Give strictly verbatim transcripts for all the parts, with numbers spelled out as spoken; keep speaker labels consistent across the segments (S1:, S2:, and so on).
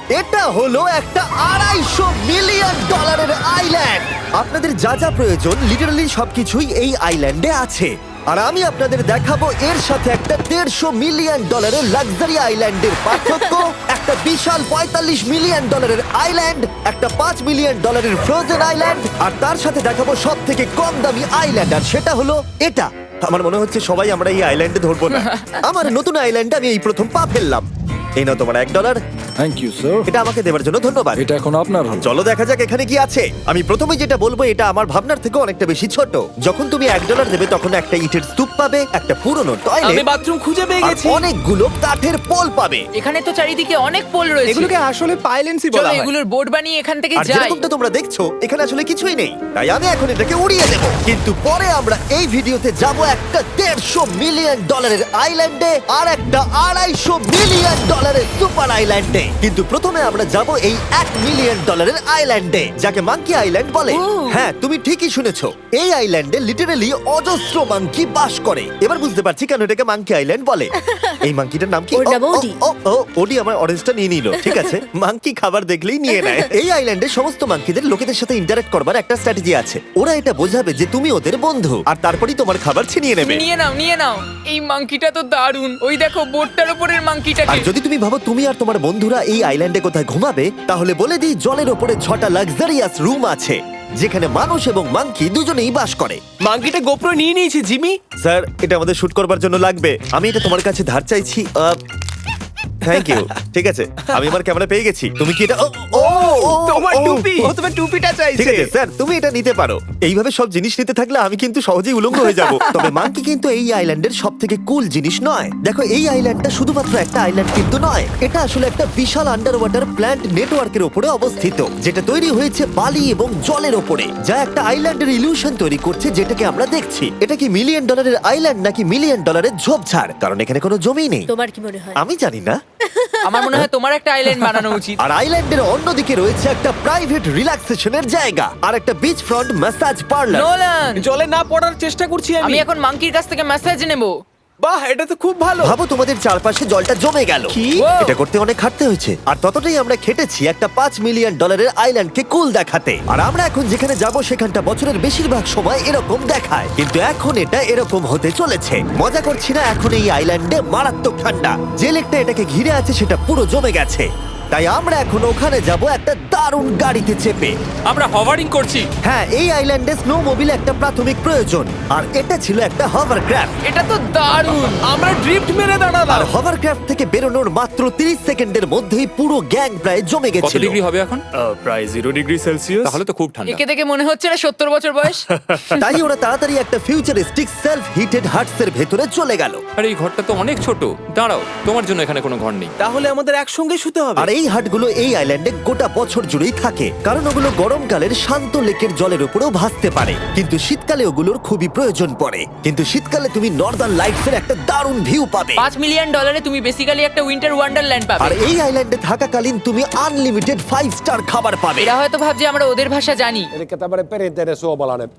S1: এটা হলো একটা আড়াইশো মিলিয়ন ডলারের আইল্যান্ড। আপনাদের যা যা প্রয়োজন লিটারালি সবকিছুই এই আইল্যান্ডে আছে। আর আমি আপনাদের দেখাবো এর সাথে একটা দেড়শো মিলিয়ন ডলারের লাক্সারি আইল্যান্ডের পার্থক্য, একটা বিশাল পঁয়তাল্লিশ মিলিয়ন ডলারের আইল্যান্ড, একটা পাঁচ মিলিয়ন ডলারের ফ্রোজেন আইল্যান্ড, আর তার সাথে দেখাবো সব থেকে কম দামি আইল্যান্ড, আর সেটা হলো এটা। আমার মনে হচ্ছে সবাই আমরা এই আইল্যান্ডে ধরবো না। আমার নতুন আইল্যান্ডে আমি এই প্রথম পা ফেললাম। এই নাও তোমার এক ডলার।
S2: Thank you sir.
S1: এটা আমাকে দেওয়ার জন্য ধন্যবাদ।
S2: এটা এখন আপনার হল।
S1: চলো দেখা যাক এখানে কি আছে। আমি প্রথমে যেটা বলবো এটা আমার ভাবনার থেকে অনেকটা বেশি ছোট। যখন তুমি এক ডলার দেবে তখন একটা ইটের স্তূপ পাবে, একটা পুরনো
S3: আমি
S1: টয়লেট,
S3: বাথরুম খুঁজে পেয়ে
S1: আর
S3: গেছি।
S1: অনেকগুলো কাঠের পোল পাবে।
S4: এখানে তো চারিদিকে অনেক পোল রয়েছে।
S3: এগুলোকে আসলে পাইলেন্সি
S4: চলো
S3: বলা হয়।
S4: এগুলোর বোর্ড বানিয়ে এখান থেকে
S1: আর
S4: যাই।
S1: যেরকমটা তোমরা দেখছো এখানে আসলে কিছুই নেই, তাই আমি এখন এটাকে উড়িয়ে দেব। কিন্তু পরে আমরা এই ভিডিওতে যাব একটা দেড়শো মিলিয়ন ডলারের আইল্যান্ডে আর একটা আড়াইশো মিলিয়ন ডলারের সুপার আইল্যান্ডে। কিন্তু প্রথমে আমরা যাব এই এক মিলিয়ন ডলারের আইল্যান্ডে, যাকে মাঙ্কি আইল্যান্ড বলে।
S4: ও।
S1: হ্যাঁ, তুমি ঠিকই শুনেছো, এই আইল্যান্ডে লিটারালি অজস্র মাঙ্কি বাস করে। এবার বুঝতে পারছি কেন এটাকে মাঙ্কি আইল্যান্ড বলে। এই মাঙ্কিটার নাম কি?
S5: ওর নাম
S1: ও, ও,
S5: ওডি।
S1: ও ও ওডি আমার অরেঞ্জটা নিয়ে নিল। ঠিক আছে, মাঙ্কি খাবার দেখলেই নিয়ে নেয়। এই আইল্যান্ডে সমস্ত মাঙ্কিদের লোকেদের সাথে ইন্টারঅ্যাক্ট করবার একটা স্ট্র্যাটেজি আছে। ওরা এটা বোঝাবে যে তুমি ওদের বন্ধু, আর তারপরেই তোমার খাবার ছিনিয়ে নেবে।
S4: নিয়ে নাও নিয়ে নাও। এই মাংকিটা তো দারুণ। ওই দেখো বোর্ডটার উপরের
S1: আর
S4: মাংকিটাকে।
S1: যদি তুমি ভাবো তুমি আর তোমার বন্ধুরা এই আইল্যান্ডে কোথায় ঘুমাবে, তাহলে বলে দিই জলের ওপরে ছটা লাক্সারিয়াস রুম আছে যেখানে মানুষ এবং মাঙ্কি দুজনেই বাস করে।
S3: মাঙ্কিটা গোপ্রো নিয়ে নিয়েছে জিমি।
S1: স্যার, এটা আমাদের শুট করবার জন্য লাগবে। আমি এটা তোমার কাছে ধার চাইছি। Thank you. ঠিক আছে, আমি আমার ক্যামেরা পেয়ে গেছি। তুমি কি এটা? ও, ও, ও,
S3: তোমার
S1: ও,
S3: টুপি।
S1: ও,
S3: ও তোমার টুপিটা
S1: ঠিক
S3: চাইছে।
S1: আছে স্যার, তুমি এটা নিতে পারো। এইভাবে সব জিনিস নিতে থাকলে আমি কিন্তু সহজেই উলঙ্গ হয়ে যাব। তবে মাঙ্কি কিন্তু এই আইল্যান্ডের সব থেকে কুল জিনিস নয়। দেখো, এই আইল্যান্ডটা শুধুমাত্র একটা আইল্যান্ড কিন্তু নয়, এটা আসলে একটা বিশাল আন্ডার ওয়াটার প্ল্যান্ট নেটওয়ার্কের উপরে অবস্থিত, যেটা তৈরি হয়েছে বালি এবং জলের উপরে, যা একটা আইল্যান্ডের ইলিউশন তৈরি করছে যেটাকে আমরা দেখছি। এটা কি মিলিয়ন ডলারের আইল্যান্ড নাকি মিলিয়ন ডলারের ঝোপঝাড়? কারণ এখানে কোনো জমি নেই।
S5: তোমার কি মনে হয়?
S1: আমি জানি না।
S4: আমার মনে হয় তোমার একটা আইল্যান্ড বানানো উচিত।
S1: আর আইল্যান্ডের অন্যদিকে রয়েছে একটা প্রাইভেট রিল্যাক্সেশনের জায়গা আর একটা beach front massage parlour.
S4: Nolan,
S3: জলে না পড়ার চেষ্টা করছি
S4: আমি
S3: আমি।
S4: এখন মাংকির কাছ থেকে মেসেজ নেব।
S3: বাহ, এটা তো খুব ভালো।
S1: ভাবো তোমাদের চারপাশে জলটা জমে গেল।
S3: কি?
S1: এটা করতে অনেক খাটতে হয়েছে, আর ততটাই আমরা খেটেছি একটা পাঁচ মিলিয়ন ডলারের আইল্যান্ডকে কুল দেখাতে। আর আমরা এখন যেখানে যাব সেখানটা বছরের বেশিরভাগ সময় এরকম দেখায়, কিন্তু এখন এটা এরকম হতে চলেছে। মজা করছি না, এখন এই আইল্যান্ডে মারাত্মক ঠান্ডা। যে লেকটা এটাকে ঘিরে আছে সেটা পুরো জমে গেছে, তাই আমরা এখন ওখানে যাব একটা দারুণ গাড়িতে চেপে।
S6: আমরা হভারিং করছি।
S1: হ্যাঁ, এই আইল্যান্ডে স্নো মোবিল একটা প্রাথমিক প্রয়োজন, আর এটা ছিল একটা হভারক্রাফট।
S4: এটা তো দারুণ।
S3: আমরা ড্রিফট মেরে
S1: আর
S3: দাঁড়ালাম।
S1: হভারক্রাফট থেকে বেরোনোর মাত্র তিরিশ সেকেন্ডের মধ্যেই পুরো গ্যাং প্রায় জমে
S6: কত
S1: গেছিল।
S6: ডিগ্রি হবে এখন?
S7: প্রায় জিরো ডিগ্রি সেলসিয়াস।
S6: তাহলে তো খুব ঠান্ডা।
S4: একে দেখে মনে হচ্ছে না সত্তর বছর বয়স।
S1: তাই ওরা তাড়াতাড়ি একটা ফিউচারিস্টিক সেলফ হিটেড হাটস এর ভেতরে চলে গেল।
S6: আরে এই ঘরটা তো অনেক ছোট। দাঁড়াও, তোমার জন্য এখানে কোনো ঘর নেই।
S3: তাহলে আমাদের একসঙ্গে শুতে হবে।
S1: আর এই হাটগুলো এই আইল্যান্ডে গোটা বছর জুড়েই থাকে, কারণ ওগুলো গরমকালের শান্ত লেকের জলের উপরেও ভাসতে পারে, কিন্তু শীতকালে ওগুলোর খুবই প্রয়োজন পড়ে। কিন্তু শীতকালে তুমি নর্দার্ন লাইটস এর একটা দারুণ ভিউ পাবে।
S4: পাঁচ মিলিয়ন ডলারে তুমি বেসিক্যালি একটা উইন্টার ওয়ান্ডারল্যান্ড
S1: আর
S4: পাবে।
S1: এই আইল্যান্ডে থাকাকালীন তুমি আনলিমিটেড ফাইভ স্টার খাবার পাবে।
S4: এরা হয়তো ভাবছে আমরা ওদের ভাষা জানি।
S8: Elikkä tämmöinen perinteinen suomalainen.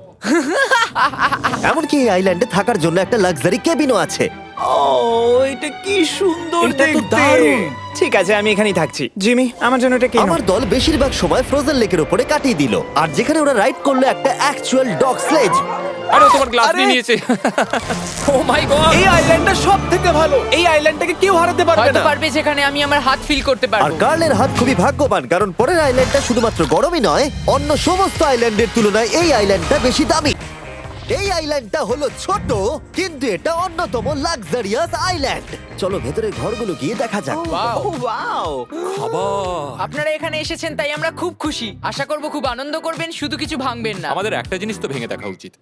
S1: এমনকি এই আইল্যান্ডে থাকার জন্য একটা লাক্সারি কেবিনও আছে।
S3: ও, এটা কি সুন্দর এটা তো দেখতে। দারুণ। ঠিক আছে, আমি এখানেই থাকছি। জিমি, আমার জন্য এটা কেন?
S1: আমার দল বেশিরভাগ সময় ফ্রোজেন লেকের উপরে কাটিয়ে দিল, আর যেখানে ওরা রাইড করলো একটা অ্যাকচুয়াল ডগ স্লেজ।
S6: আরে ও তোমার গ্লাস
S3: আরে!
S6: নিয়ে নিয়েছে। Oh my god!
S3: এই আইল্যান্ডটা সব থেকে ভালো। এই আইল্যান্ডটাকে কেউ হারাতে পারবে
S4: হয়তো
S3: না।
S4: পারবে যেখানে আমি আমার হাত ফিল করতে
S1: আর
S4: পারবো।
S1: কার্লের হাত খুবই ভাগ্যবান, কারণ পরের আইল্যান্ডটা শুধুমাত্র গরমই নয়, অন্য সমস্ত আইল্যান্ডের তুলনায় এই আইল্যান্ডটা বেশি দামি। এই আইল্যান্ডটা হলো ছোট, কিন্তু এটা অন্যতম লাক্সারিয়াস আইল্যান্ড। চলো ভেতরে ঘরগুলো গিয়ে দেখা যাক।
S3: Oh wow.
S6: খাবার।
S4: আপনারা এখানে এসেছেন তাই আমরা খুব খুশি। আশা করব খুব আনন্দ করবেন, শুধু কিছু ভাঙবেন না।
S6: আমাদের একটা জিনিস তো ভেঙে দেখা উচিত।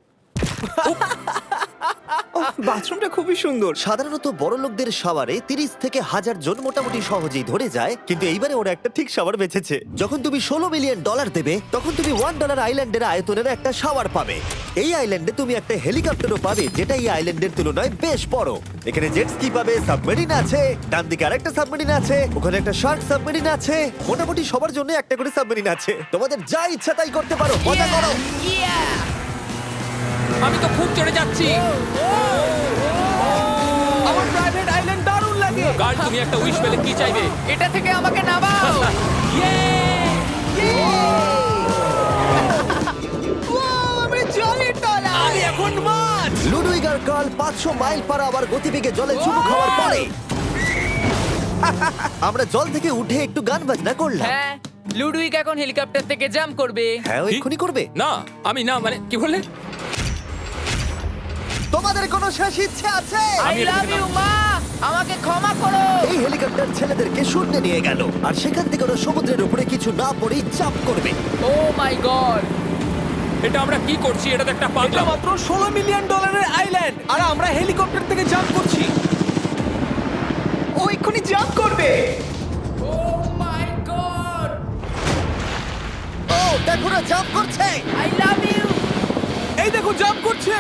S3: বাথরুমটা খুবই সুন্দর।
S1: সাধারণত বড় লোকদের শাওয়ারে তিরিশ থেকে হাজার জন মোটামুটি সহজেই ধরে যায়, কিন্তু এইবারে ওরা একটা ঠিক শাওয়ার বেঁচেছে। যখন তুমি ষোলো মিলিয়ন ডলার দেবে তখন তুমি ওয়ান ডলার আইল্যান্ডের আয়তনের একটা শাওয়ার পাবে। এই আইল্যান্ডে তুমি একটা হেলিকপ্টারও পাবে, যেটা এই আইল্যান্ডের তুলনায় বেশ বড়। এখানে জেট স্কি পাবে, সাবমেরিন আছে, ডান দিকে আরেকটা সাবমেরিন আছে, ওখানে একটা শার্ক সাবমেরিন আছে। মোটামুটি সবার জন্য একটা করে সাবমেরিন আছে। তোমাদের যা ইচ্ছা তাই করতে পারো, মজা করো।
S6: আমি তো খুব চড়ে যাচ্ছি।
S3: আমার প্রাইভেট আইল্যান্ড দারুণ লাগে।
S6: গার্ড, তুমি একটা উইশ পেলে কি চাইবে?
S4: এটা থেকে আমাকে নামাও।
S1: বিশাল পাঁচশো মাইল পার আওয়ার গতিবেগে জলে চুমু খাওয়ার পরে আমরা জল থেকে উঠে একটু গান বাজনা করলাম।
S4: হ্যাঁ লুডুইক এখন হেলিকপ্টার থেকে জাম্প করবে।
S1: হ্যাঁ ও এক্ষুনি করবে।
S6: না আমি না মানে কি বললে?
S1: তোমাদের কোনো শেষ ইচ্ছে আছে?
S4: আই লাভ ইউ মা, আমাকে ক্ষমা করো।
S1: এই হেলিকপ্টার ছেলেদেরকে শূন্যে নিয়ে গেল আর সেখান থেকে ওরা সমুদ্রের উপরে কিছু না পড়েই চাপ করবে।
S4: ও মাই গড,
S6: এটা আমরা কি করছি? এটা তো একটা
S3: এটা
S6: পাগলা।
S3: মাত্র ষোলো মিলিয়ন ডলারের আইল্যান্ড আর আমরা হেলিকপ্টার থেকে জাম্প করছি। ও এক্ষুনি জাম্প করবে।
S4: ও মাই গড,
S1: ও দেখো না জাম্প করছে।
S4: I love you.
S3: এই দেখো জাম্প করছে।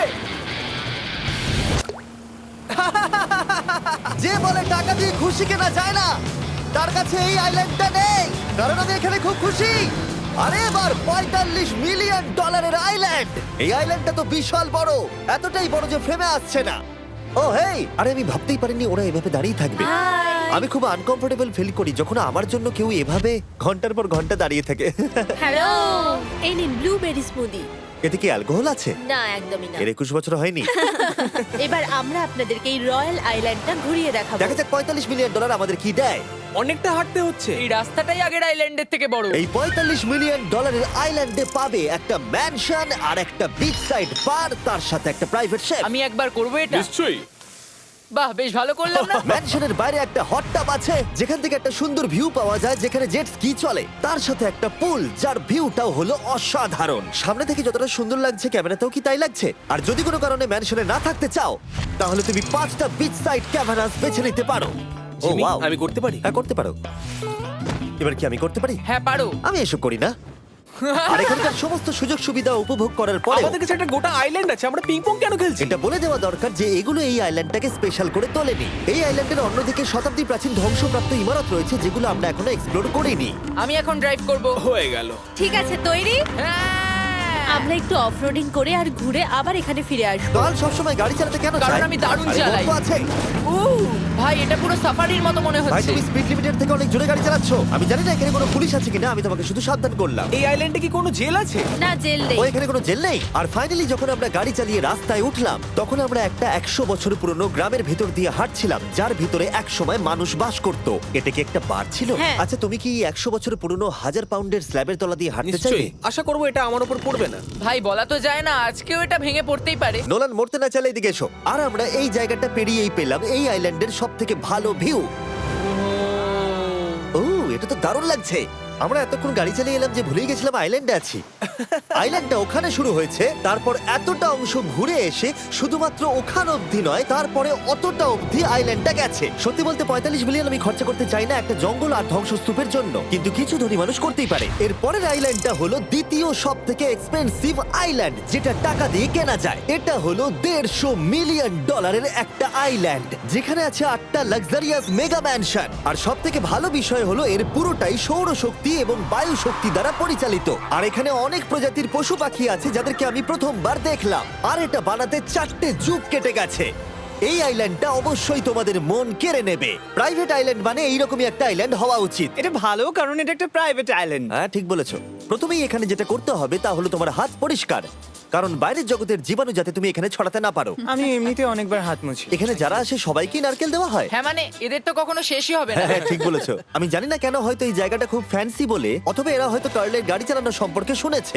S1: যে বলে টাকা দিয়ে খুশি কেনা যায় না, তার কাছে এই আইল্যান্ডটা নেই, কারণ আমি এখানে খুব খুশি। আরে এবার পঁয়তাল্লিশ মিলিয়ন ডলারের আইল্যান্ড। এই আইল্যান্ডটা তো বিশাল বড়, এতটাই বড় যে ফ্রেমে আসছে না। ও হেই, আরে আমি ভাবতেই পারিনি ওরা এভাবে দাঁড়িয়ে থাকবে। আমি খুব আনকমফোর্টেবল ফিল করি যখন আমার জন্য কেউ এভাবে ঘন্টার পর ঘন্টা দাঁড়িয়ে থাকে।
S2: হ্যালো, এই নিন ব্লুবেরি স্মুদি।
S1: এতে কি অ্যালকোহল আছে?
S2: না, একদমই না।
S1: এর একুশ বছর হয়নি।
S2: এবার আমরা আপনাদেরকে এই রয়্যাল আইল্যান্ডটা ঘুরিয়ে দেখাবো।
S1: দেখা যাক পঁয়তাল্লিশ মিলিয়ন ডলার আমাদের কি দেয়।
S3: অনেকটা হাঁটতে হচ্ছে।
S4: এই রাস্তাটাই আগের আইল্যান্ডের থেকে বড়।
S1: এই পঁয়তাল্লিশ মিলিয়ন ডলারের আইল্যান্ডে পাবে একটা ম্যানশন আর একটা বিচ সাইড বার, তার সাথে একটা প্রাইভেট শেফ।
S4: আমি একবার করবো এটা।
S6: নিশ্চয়ই।
S4: বাহ, বেশ ভালো করলাম না?
S1: ম্যানশনের বাইরে একটা হট টাব আছে যেখান থেকে একটা সুন্দর ভিউ পাওয়া যায়, যেখানে জেট স্কি চলে, তার সাথে একটা পুল যার ভিউটাও হলো অসাধারণ। সামনে থেকে যতটা সুন্দর লাগছে ক্যামেরাতেও কি তাই লাগছে? আর যদি কোনো কারণে ম্যানশনে না থাকতে চাও তাহলে তুমি পাঁচটা বিচ সাইড ক্যামেরাস বেছে নিতে পারো। ও
S3: জিমি,
S1: ওয়াও,
S3: আমি করতে পারি?
S1: হ্যাঁ করতে পারো। এবার কি আমি করতে পারি?
S4: হ্যাঁ পারো।
S1: আমি এসব করি না। আর এখানকার সমস্ত সুযোগ সুবিধা উপভোগ করার পরে
S3: আমাদের কাছে একটা গোটা আইল্যান্ড আছে, আমরা পিং পং কেন খেলছি?
S1: এটা বলে দেওয়া দরকার যে এগুলো এই আইল্যান্ডটাকে স্পেশাল করে তোলেনি। এই আইল্যান্ডের অন্যদিকে শতাব্দী প্রাচীন ধ্বংসপ্রাপ্ত ইমারত রয়েছে যেগুলো আমরা এখনো এক্সপ্লোর করিনি।
S4: আমি এখন ড্রাইভ করব।
S3: হয়ে গেল।
S2: ঠিক আছে, তৈরি?
S4: হ্যাঁ।
S2: আমরা একটু অফরোডিং করে আর ঘুরে আবার এখানে ফিরে আসবো।
S1: কাল সবসময় গাড়ি চালাতে কেন
S4: কারণ
S1: চায়?
S4: আমি দারুণ
S1: আরে
S4: চালাই।
S1: গল্প আছে।
S4: উ, ভাই এটা পুরো সাফারির মতো মনে
S1: ভাই
S4: হচ্ছে।
S1: তুমি স্পিড লিমিটের থেকে অনেক জোরে গাড়ি চালাচ্ছ। আমি জানি না এখানে কোনো পুলিশ আছে কিনা, আমি তোমাকে শুধু সাবধান করলাম।
S3: এই আইল্যান্ডে কি কোনো জেল আছে?
S2: না, জেল নেই।
S1: ও এখানে কোনো জেল নেই। আর ফাইনালি যখন আমরা গাড়ি চালিয়ে রাস্তায় উঠলাম তখন আমরা একটা একশো বছর পুরনো গ্রামের ভেতর দিয়ে হাঁটছিলাম যার ভিতরে এক সময় মানুষ বাস করত। এটা কি একটা বার ছিল?
S2: হ্যাঁ।
S1: আচ্ছা তুমি কি একশো বছর পুরনো হাজার পাউন্ডের স্ল্যাবের তলা দিয়ে হাঁটতে চাইবে?
S3: নিশ্চয়ই। আশা করবো এটা আমার উপর পড়বে না।
S4: ভাই বলা তো যায় না, আজকেও এটা ভেঙে পড়তেই পারে।
S1: নোলান মরতে না চাইলে এদিকে এসো। আর আমরা এই জায়গাটা পেরিয়েই পেলাম এই আইল্যান্ডের সব থেকে ভালো ভিউ। ও এটা তো দারুণ লাগছে। আমরা এতক্ষণ গাড়ি চালিয়ে এলাম যে ভুলেই গেছিলাম আইল্যান্ডে আছি। আইল্যান্ডটা ওখানে শুরু হয়েছে, তারপর এতটা অংশ ঘুরে এসে শুধুমাত্র ওখান অবধি নয়, তারপরে অতটা অবধি আইল্যান্ডটা গেছে। সত্যি বলতে পঁয়তাল্লিশ মিলিয়ন আমি খরচা করতে চাই না একটা জঙ্গল আর ধ্বংসস্তূপের জন্য, কিন্তু কিছু ধনী মানুষ করতেই পারে। এর পরের আইল্যান্ডটা হলো দ্বিতীয় সব থেকে এক্সপেন্সিভ আইল্যান্ড, যেটা টাকা দিয়ে কেনা যায়। এটা হলো দেড়শো মিলিয়ন ডলারের একটা আইল্যান্ড যেখানে আছে আটটা লাক্সারিয়াস মেগা ম্যানশন। আর সব থেকে ভালো বিষয় হলো এর পুরোটাই সৌরশক্তি এবং বায়ু শক্তি দ্বারা পরিচালিত। আর এখানে অনেক প্রজাতির পশু পাখি আছে যাদেরকে আমি প্রথমবার দেখলাম। আর এটা বানাতে চারটে যুগ কেটে গেছে। এই আইল্যান্ডটা অবশ্যই তোমাদের মন কেড়ে নেবে। প্রাইভেট আইল্যান্ড মানে এইরকমই একটা আইল্যান্ড হওয়া উচিত।
S3: এটা ভালো, কারণ এটা একটা প্রাইভেট আইল্যান্ড।
S1: হ্যাঁ ঠিক বলেছো। প্রথমেই এখানে যেটা করতে হবে তা হলো তোমার হাত পরিষ্কার, কারণ বাইরের জগতের জীবাণু যাতে তুমি এখানে ছড়াতে না পারো।
S3: আমি এমনিতে অনেকবার হাত মুছি।
S1: এখানে যারা আসে সবাইকেই নারকেল দেওয়া হয়।
S4: হ্যাঁ মানে এদের তো কখনো শেষই হবে না।
S1: হ্যাঁ ঠিক বলেছো। আমি জানি না কেন, হয়তো এই জায়গাটা খুব ফ্যান্সি বলে, অথবা এরা হয়তো কার্লের গাড়ি চালানোর সম্পর্কে শুনেছে,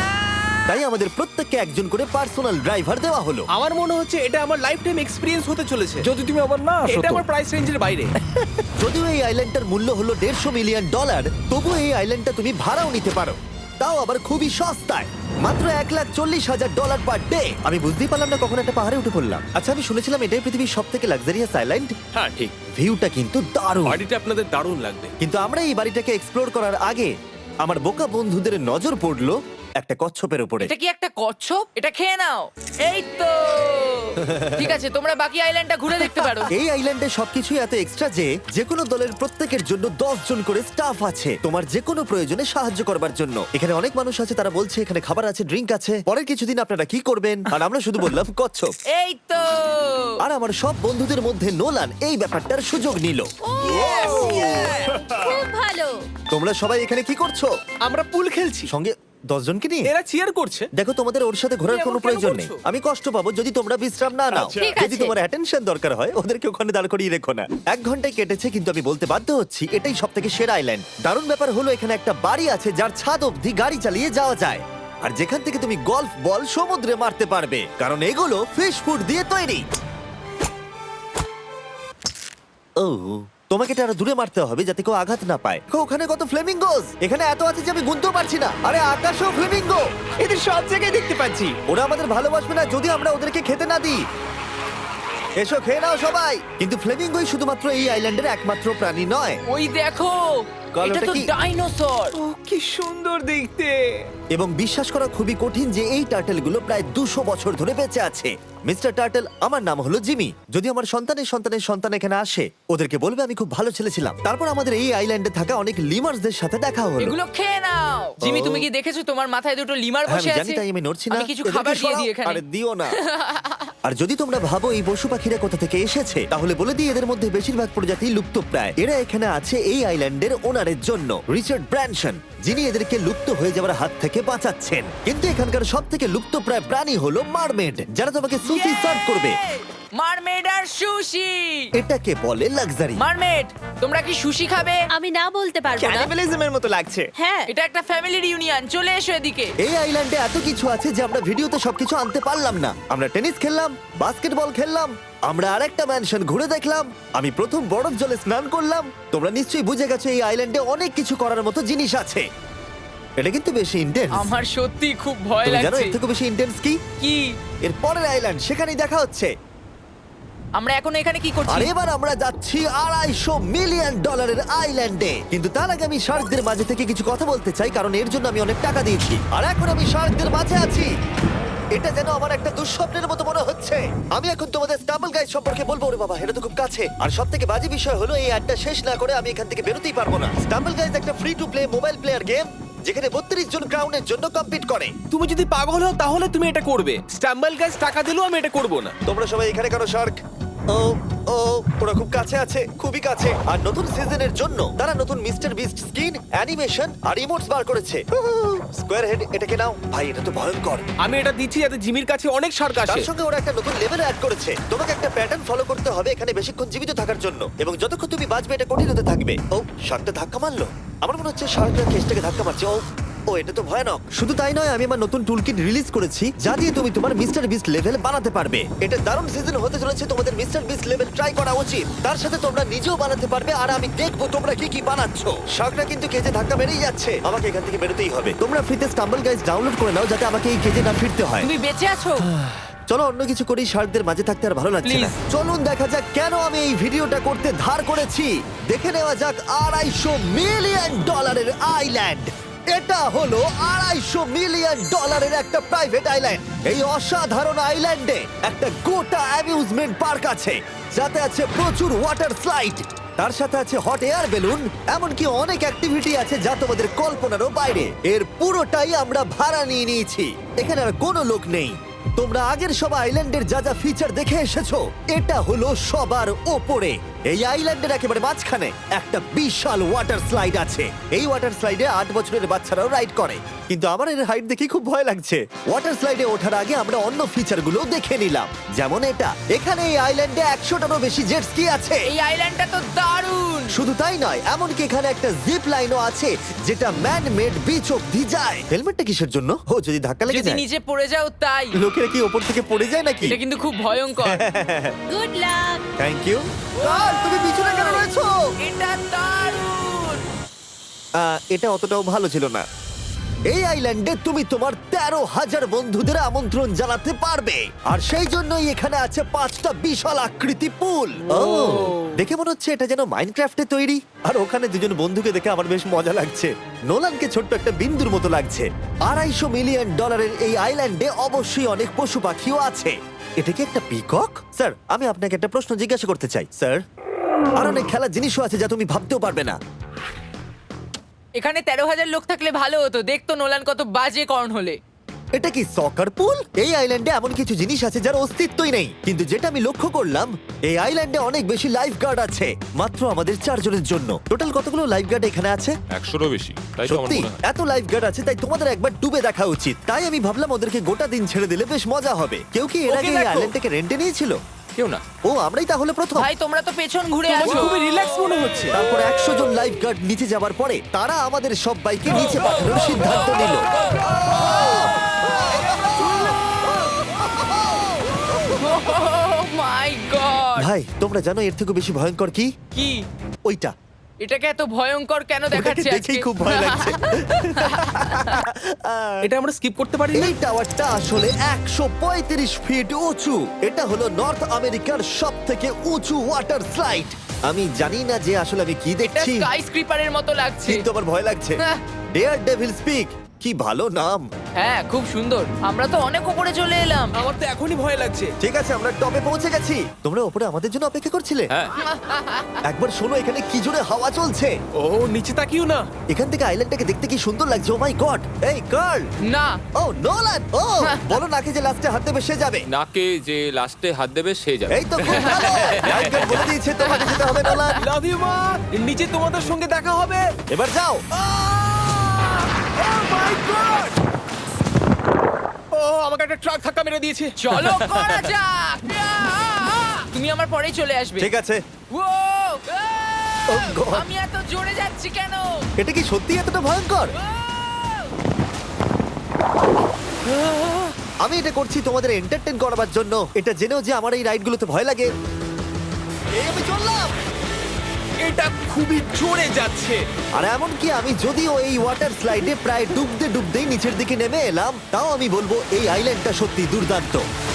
S1: তাই আমাদের প্রত্যেককে একজন করে পার্সোনাল ড্রাইভার দেওয়া হলো।
S3: আমার মনে হচ্ছে এটা আমার লাইফ টাইম এক্সপিরিয়েন্স হতে চলেছে।
S8: যদি তুমি আবার না আসো
S3: এটা
S8: তো।
S3: আমার প্রাইস রেঞ্জের বাইরে।
S1: যদিও এই আইল্যান্ডটার মূল্য হলো দেড়শো মিলিয়ন ডলার, তবুও এই আইল্যান্ডটা তুমি ভাড়াও নিতে পারো, তাও আবার খুবই সস্তায়, মাত্র এক লাখ চল্লিশ হাজার ডলার পার ডে। আমি বুঝতেই পারলাম না কখন একটা পাহাড়ে উঠে পড়লাম। আচ্ছা আমি শুনেছিলাম এটাই পৃথিবীর সব থেকে লাক্সারিয়াস আইল্যান্ড।
S7: হ্যাঁ ঠিক।
S1: ভিউটা কিন্তু দারুণ।
S7: বাড়িটা আপনাদের দারুণ লাগবে।
S1: কিন্তু আমরা এই বাড়িটাকে এক্সপ্লোর করার আগে আমার বোকা বন্ধুদের নজর পড়লো একটা কচ্ছপের উপরে।
S4: এটা কি একটা কচ্ছপ? এটা খেয়ে নাও। এই তো ঠিক আছে, তোমরা বাকি আইল্যান্ডটা ঘুরে দেখতে পারো।
S1: এই আইল্যান্ডে সবকিছুই এত এক্সট্রা যে যে কোনো দলের প্রত্যেকের জন্য দশ জন করে স্টাফ আছে তোমার যে কোনো প্রয়োজনে সাহায্য করবার জন্য। এখানে অনেক মানুষ আছে, তারা বলছে এখানে খাবার আছে, ড্রিঙ্ক আছে, পরের কিছুদিন আপনারা কি করবেন, আর আমরা শুধু বললাম কচ্ছপ।
S4: এই তো
S1: আর আমার সব বন্ধুদের মধ্যে নোলান এই ব্যাপারটার সুযোগ নিল।
S2: খুব ভালো।
S1: তোমরা সবাই এখানে কি করছো?
S3: আমরা পুল খেলছি।
S1: সঙ্গে দশ জনকে নিয়ে
S5: এরা চিয়ার করছে।
S1: দেখো, তোমাদের ওর সাথে ঘোরার
S5: তুমি
S1: কোনো
S5: এমন কেন
S1: প্রয়োজন নেই।
S5: করছো?
S1: আমি কষ্ট পাবো যদি তোমরা বিশ্রাম না নাও।
S2: ঠিক
S1: যদি
S2: আছে।
S1: তোমার অ্যাটেনশন দরকার হয় ওদেরকে ওখানে দাঁড় করিয়ে রেখো না। এক ঘন্টায় কেটেছে, কিন্তু আমি বলতে বাধ্য হচ্ছি এটাই সব থেকে সেরা আইল্যান্ড। দারুণ ব্যাপার হলো এখানে একটা বাড়ি আছে যার ছাদ অবধি গাড়ি চালিয়ে যাওয়া যায়, আর যেখান থেকে তুমি গলফ বল সমুদ্রে মারতে পারবে, কারণ এগুলো ফিশ ফুড দিয়ে তৈরি। ও, তোমাকে এটা আরো দূরে মারতে হবে যাতে কেউ আঘাত না পায়। দেখো, ওখানে কত ফ্লেমিঙ্গোস! এখানে এত আছে যে আমি গুনতেও পারছি না। আরে আকাশেও ফ্লেমিঙ্গো!
S3: এদের সব জায়গায় দেখতে পাচ্ছি।
S1: ওরা আমাদের ভালোবাসবে না যদি আমরা ওদেরকে খেতে না দিই। এসো, খেয়ে নাও সবাই। কিন্তু ফ্লেমিঙ্গোই শুধুমাত্র এই আইল্যান্ডের একমাত্র প্রাণী নয়।
S4: ওই দেখো,
S1: কাল
S4: এটা
S1: ওটা
S4: তো
S1: কি?
S4: ডাইনোসর।
S3: ও কি সুন্দর দেখতে।
S1: এবং বিশ্বাস করা খুবই কঠিন যে এই টার্টেলগুলো প্রায় দুশো বছর ধরে বেঁচে আছে। মিস্টার টার্টেল, আমার নাম হলো জিমি। যদি আমার সন্তানের সন্তানের সন্তান এখানে আসে, ওদেরকে বলবে আমি খুব ভালো ছেলে ছিলাম। তারপর আমাদের এই আইল্যান্ডে থাকা অনেক লিমার্সদের সাথে দেখা হলো।
S4: এগুলো খেয়ে নাও। জিমি, তুমি কি দেখেছো তোমার মাথায় দুটো লিমার
S1: হ্যাঁ,
S4: বসে
S1: আমি জানি,
S4: আছে?
S1: তাই আমি নড়ছি না।
S4: আমি কিছু
S1: এদেরকে
S4: খাবার দিয়ে
S1: সরাও।
S4: দিই এখানে।
S1: আরে দিও না। আর যদি তোমরা ভাবো এই পশু পাখিরা কোথা থেকে এসেছে, তাহলে বলে দিই এদের মধ্যে বেশিরভাগ প্রজাতি লুপ্তপ্রায়। এরা এখানে আছে এই আইল্যান্ডের ওনারের জন্য, রিচার্ড ব্র্যানসন, যিনি এদেরকে লুপ্ত হয়ে যাওয়ার হাত থেকে বাঁচাচ্ছেন। কিন্তু এখানকার সব থেকে লুপ্তপ্রায় প্রাণী হলো মারমেড, যারা তোমাকে সুশি সার্ভ করবে।
S4: মারমেড আর সুশি।
S1: এটাকে বলে লাক্সারি।
S4: মারমেড, তোমরা কি সুশি খাবে?
S2: আমি না বলতে পারবো না।
S3: ক্যানিবালিজমের মতো লাগছে।
S2: হ্যাঁ,
S4: এটা একটা ফ্যামিলি রিউনিয়ন, চলে এসো এদিকে।
S1: এই আইল্যান্ডে এত কিছু আছে যে আমরা ভিডিওতে সবকিছু আনতে পারলাম না। আমরা টেনিস খেললাম, বাস্কেটবল খেললাম, আমরা আরেকটা ম্যানশন ঘুরে দেখলাম, আমি প্রথম বরফ জলে স্নান করলাম। তোমরা নিশ্চয়ই বুঝে গেছো এই আইল্যান্ডে অনেক কিছু করার মতো জিনিস আছে। এটা কিন্তু বেশি ইন্টেন্স।
S4: আমার সত্যি খুব ভয়
S1: তুমি জানো
S4: লাগছে।
S1: এর থেকে বেশি ইন্টেন্স কি?
S4: কি?
S1: এর পরের আইল্যান্ড, সেখানেই দেখা হচ্ছে।
S4: আমরা এখন এখানে কি
S1: আর
S4: করছি?
S1: এবার আমরা যাচ্ছি আড়াইশো মিলিয়ন ডলারের আইল্যান্ডে। কিন্তু তার আগে আমি শার্কদের মাঝে থেকে কিছু কথা বলতে চাই, কারণ এর জন্য আমি অনেক টাকা দিয়েছি। আর এখন আমি শার্কদের মাঝে আছি। এটা যেন আমার একটা দুঃস্বপ্নের মতো মনে হচ্ছে। আমি এখন তোমাদের স্টাম্বল গাইড সম্পর্কে বলবো। ওরে বাবা, এটা তো খুব কাছে। আর সব থেকে বাজে বিষয় হলো এই অ্যাডটা শেষ না করে আমি এখান থেকে বেরোতেই পারবো না। স্টাম্বল গাইজ একটা free to play mobile player game, যেখানে বত্রিশ জন ক্রাউনের জন্য কম্পিট করে।
S5: তুমি যদি পাগল হও তাহলে তুমি এটা করবে। স্ট্যাম্বল গাইজ টাকা দিলেও আমি এটা করব না।
S1: তোমরা সবাই এখানে কেন শার্ক? ও ও ওরা খুব কাছে আছে, খুবই কাছে। আর নতুন সিজনের জন্য তারা নতুন মিস্টার বিস্ট স্কিন, অ্যানিমেশন আর ইমোটস বার করেছে। স্কোয়ার হেড, এটাকে নাও ভাই, এটা তো ভয়ঙ্কর।
S5: আমি এটা দিচ্ছি যাতে জিমির কাছে অনেক শার্ক আসে।
S1: তার সঙ্গে ওরা একটা নতুন লেভেল অ্যাড করেছে। তোমাকে একটা প্যাটার্ন ফলো করতে হবে এখানে বেশিক্ষণ জীবিত থাকার জন্য, এবং যতক্ষণ তুমি বাঁচবে এটা কঠিন হতে থাকবে। ও, শার্কটা ধাক্কা মারলো। আমার মনে হচ্ছে শার্কটা কেসটাকে ধাক্কা মারছে। ও ও এটা তো ভয়ানক। শুধু তাই নয়, আমি আমার নতুন টুলকিট রিলিজ করেছি যা দিয়ে তুমি তোমার মিস্টার বিস্ট লেভেল বানাতে পারবে। এটা দারুণ সিজন হতে চলেছে, তোমাদের মিস্টার বিস্ট লেভেল ট্রাই করা উচিত। তার সাথে তোমরা নিজেও বানাতে পারবে, আর আমি দেখবো তোমরা কি কি বানাচ্ছ। শার্কটা কিন্তু কেজে ধাক্কা মেরেই যাচ্ছে, আমাকে এখান থেকে বেরোতেই হবে। তোমরা ফ্রিতে স্টাম্বল গাইজ ডাউনলোড করে নাও যাতে আমাকে এই কেজে না ফিরতে হয়।
S4: তুমি বেঁচে আছো?
S1: চলো অন্য কিছু করি, শার্কদের মাঝে থাকতে আর ভালো লাগছে না।
S4: Please.
S1: চলুন দেখা যাক কেন আমি এই ভিডিওটা করতে ধার করেছি। দেখে নেওয়া যাক আড়াইশো মিলিয়ন ডলারের আইল্যান্ড। এটা হলো আড়াইশো মিলিয়ন ডলারের একটা প্রাইভেট আইল্যান্ড। এই অসাধারণ আইল্যান্ডে একটা গোটা অ্যামিউজমেন্ট পার্ক আছে, যাতে আছে প্রচুর ওয়াটার স্লাইড, তার সাথে আছে হট এয়ার বেলুন, এমনকি অনেক অ্যাক্টিভিটি আছে যা তোমাদের কল্পনারও বাইরে। এর পুরোটাই আমরা ভাড়া নিয়ে নিয়েছি। এখানে আর কোনো লোক নেই। তোমরা আগের সব আইল্যান্ডের যা যা ফিচার দেখে এসেছো, এটা হলো সবার ওপরে। এই আইল্যান্ডের একেবারে মাঝখানে একটা বিশাল ওয়াটার স্লাইড আছে। এই ওয়াটার স্লাইডে আট বছরের বাচ্চারাও রাইড করে, কিন্তু আমার এর হাইট দেখে খুব ভয় লাগছে। ওয়াটার স্লাইডে ওঠার আগে আমরা অন্য ফিচারগুলো দেখে নিলাম, যেমন এটা। এখানে এই আইল্যান্ডে একশোটারও বেশি জেট স্কি আছে।
S4: এই আইল্যান্ডটা তো দারুণ।
S1: শুধু তাই নয়, এমনকি এখানে একটা জিপ লাইনও আছে যেটা ম্যান মেড বিচ অব্দি যায়। হেলমেটটা কিসের জন্য? ও, যদি ধাক্কা লেগে
S4: যদি
S1: যায়।
S4: নিচে পড়ে যাও তাই।
S1: লোকেরা কি ওপর থেকে পড়ে যায় নাকি?
S4: এটা কিন্তু খুব ভয়ঙ্কর।
S2: Good luck.
S1: Thank you. কাল, তুমি পিছনে কেন রয়েছো?
S4: এটা দারুণ।
S1: আহ, এটা অতটাও ভালো ছিল না। এই আইল্যান্ডে তুমি তোমার তেরো হাজার বন্ধুদের আমন্ত্রণ জানাতে পারবে, আর সেই জন্যই এখানে আছে পাঁচটা বিশাল আকৃতি পুল। ও, দেখে মনে হচ্ছে এটা যেন মাইনক্রাফটে তৈরি। আর ওখানে দুজন বন্ধুকে দেখে আমার বেশ মজা লাগছে। নোলানকে ছোট্ট একটা বিন্দুর মতো লাগছে। আড়াইশো মিলিয়ন ডলারের এই আইল্যান্ডে অবশ্যই অনেক পশু পাখিও আছে। এটা কি একটা পিকক? স্যার, আমি আপনাকে একটা প্রশ্ন জিজ্ঞাসা করতে চাই। স্যার, আর অনেক খেলার জিনিসও আছে যা তুমি ভাবতেও পারবে না।
S4: এখানে তেরো হাজার লোক থাকলে ভালো হতো, দেখতো নোলান কত বাজে কর্ন হলে।
S1: এটা কি সকার পুল? এই আইল্যান্ডে এমন কিছু জিনিস আছে যার অস্তিত্বই নেই, কিন্তু যেটা আমি লক্ষ্য করলাম এই আইল্যান্ডে অনেক বেশি লাইফ গার্ড আছে, মাত্র আমাদের চারজনের জন্য। টোটাল কতগুলো লাইফ গার্ড এখানে আছে?
S9: একশোরও বেশি, তাই তো আমার
S1: সত্যি
S9: মনে হয়।
S1: এত লাইফ গার্ড আছে, তাই তোমাদের একবার ডুবে দেখা উচিত। তাই আমি ভাবলাম ওদেরকে গোটা দিন ছেড়ে দিলে বেশ মজা হবে। কেউ কি এর
S5: ওকে
S1: আগে এই
S5: দেখো।
S1: আইল্যান্ডটাকে রেন্টে নিয়েছিল?
S6: কেউ না।
S1: ও, আমরাই তাহলে প্রথম।
S4: ভাই তোমরা তো পেছন ঘুরে
S5: তোমাকে
S4: আছো।
S5: খুবই রিল্যাক্স মনে হচ্ছে।
S1: তারপর একশো জন লাইফ গার্ড নিচে যাবার পরে তারা আমাদের সবাইকে নিচে পাঠানোর সিদ্ধান্ত নিল।
S4: My god!
S1: ভাই, তোমরা জানো এর থেকে বেশি ভয়ঙ্কর কি?
S4: কি?
S1: ওইটা
S4: এটাকে এত ভয়ঙ্কর কেন
S1: ওটাকে
S4: দেখাচ্ছে আজকে?
S1: দেখেই খুব ভয় লাগছে।
S5: এটা আমরা স্কিপ করতে পারি না।
S1: এই টাওয়ারটা আসলে একশো পঁয়ত্রিশ ফিট উঁচু। এটা হলো নর্থ আমেরিকার সব থেকে উঁচু ওয়াটার স্লাইড। আমি জানি না যে আসলে আমি কি
S4: এটা
S1: দেখছি,
S4: স্কাই স্ক্রিপারের মতো লাগছে।
S1: কিন্তু আমার ভয় লাগছে।
S4: হ্যাঁ।
S1: ডেয়ার ডেভিল স্পিক, কি ভালো নাম।
S4: হ্যাঁ, খুব সুন্দর। আমরা তো অনেক উপরে চলে এলাম।
S5: আমার তো এখনই ভয় লাগছে।
S1: ঠিক আছে, আমরা টপে পৌঁছে গেছি। তোমরা উপরে আমাদের জন্য অপেক্ষা করছিলে?
S6: হ্যাঁ,
S1: একবার শোনো, এখানে কি জোরে হাওয়া চলছে।
S5: ও নিচে তাকিও না।
S1: এখান থেকে আইল্যান্ডটাকে দেখতে কি সুন্দর লাগছে। Oh my god! এই কার্ল!
S4: না,
S1: ও নোলান! ও বলো নাকি যে লাস্টে হাত দেবে সে যাবে।
S6: নাকে যে লাস্টে হাত দেবে সে যাবে।
S1: এই তো খুব ভালো। লাইফগার্ড বলে দিয়েছে তোমাকে যেতে হবে নোলান।
S5: লাভ ইউ মা। নিচে তোমাদের সঙ্গে দেখা হবে।
S1: এবার যাও।
S5: ও মাই গড! ও আমাকে একটা ট্রাক ধাক্কা মেরে দিয়েছে।
S4: চলো করা যাক। তুমি আমার পরেই চলে আসবে।
S1: ঠিক আছে।
S4: ও
S1: Oh God!
S4: আমি এত জোরে যাচ্ছি কেন?
S1: এটা কি সত্যি এতটা ভয়ঙ্কর? আমি এটা করছি তোমাদের এন্টারটেইন করার জন্য। এটা জেনেও যে আমার এই রাইডগুলোতে ভয় লাগে। এই আমি চললাম।
S5: এটা খুবই জোরে যাচ্ছে।
S1: আর এমনকি আমি যদিও এই ওয়াটার স্লাইডে প্রায় ডুবতে ডুবতেই নিচের দিকে নেমে এলাম, তাও আমি বলবো এই আইল্যান্ডটা সত্যি দুর্দান্ত।